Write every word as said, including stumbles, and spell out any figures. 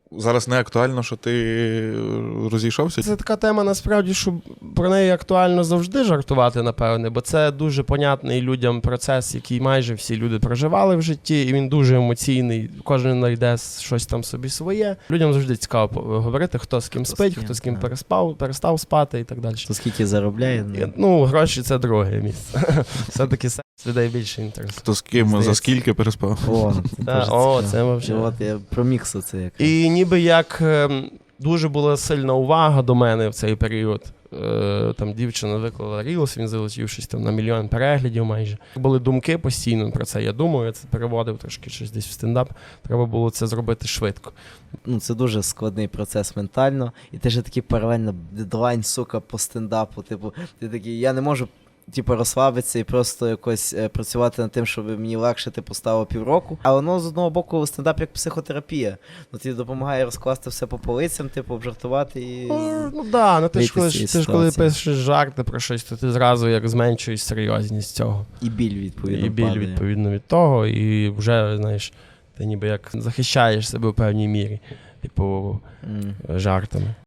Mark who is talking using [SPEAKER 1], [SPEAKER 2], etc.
[SPEAKER 1] зараз не актуально, що ти розійшовся?
[SPEAKER 2] Це така тема, насправді, що про неї актуально завжди жартувати, напевне, бо це дуже понятний людям процес, який майже всі люди проживали в житті, і він дуже емоційний, кожен знайде щось там собі своє. Людям завжди цікаво говорити, хто з ким хто спить, з ким, хто з ким переспав, перестав спати і так далі.
[SPEAKER 3] Хто скільки заробляє?
[SPEAKER 2] І, ну, гроші – це друге місце. Все-таки секс людей більше інтересує.
[SPEAKER 1] Хто з ким,
[SPEAKER 3] Здається.
[SPEAKER 1] за скільки переспав?
[SPEAKER 3] О,
[SPEAKER 2] Та, о, це взагалі.
[SPEAKER 3] От я про міксу це як.
[SPEAKER 2] І ніби як ем, дуже була сильна увага до мене в цей період. Е, там дівчина виклала рілс, він залетів щось там на мільйон переглядів майже. Були думки постійно про це. Я думаю, я це переводив трошки щось десь в стендап. Треба було це зробити швидко.
[SPEAKER 3] Ну, це дуже складний процес ментально. І ти ж такий паралельно дедлайн, сука, по стендапу. Типу, ти такий, я не можу типу, розслабитися і просто якось е, працювати над тим, щоб мені легше типу, стало півроку. А воно, з одного боку, стендап як психотерапія. Ну, тобі допомагає розкласти все по полицям, типу, обжартувати і...
[SPEAKER 2] Ну, ну да, ну ти ж, коли,
[SPEAKER 3] вийти з
[SPEAKER 2] ти ж коли
[SPEAKER 3] ситуації.
[SPEAKER 2] пишеш жарти про щось, то ти зразу як зменшуєш серйозність цього.
[SPEAKER 3] І біль, відповідно,
[SPEAKER 2] І біль,
[SPEAKER 3] падає.
[SPEAKER 2] відповідно, від того, і вже, знаєш, ти ніби як захищаєш себе в певній мірі, типу,
[SPEAKER 3] Mm.
[SPEAKER 2] жартами.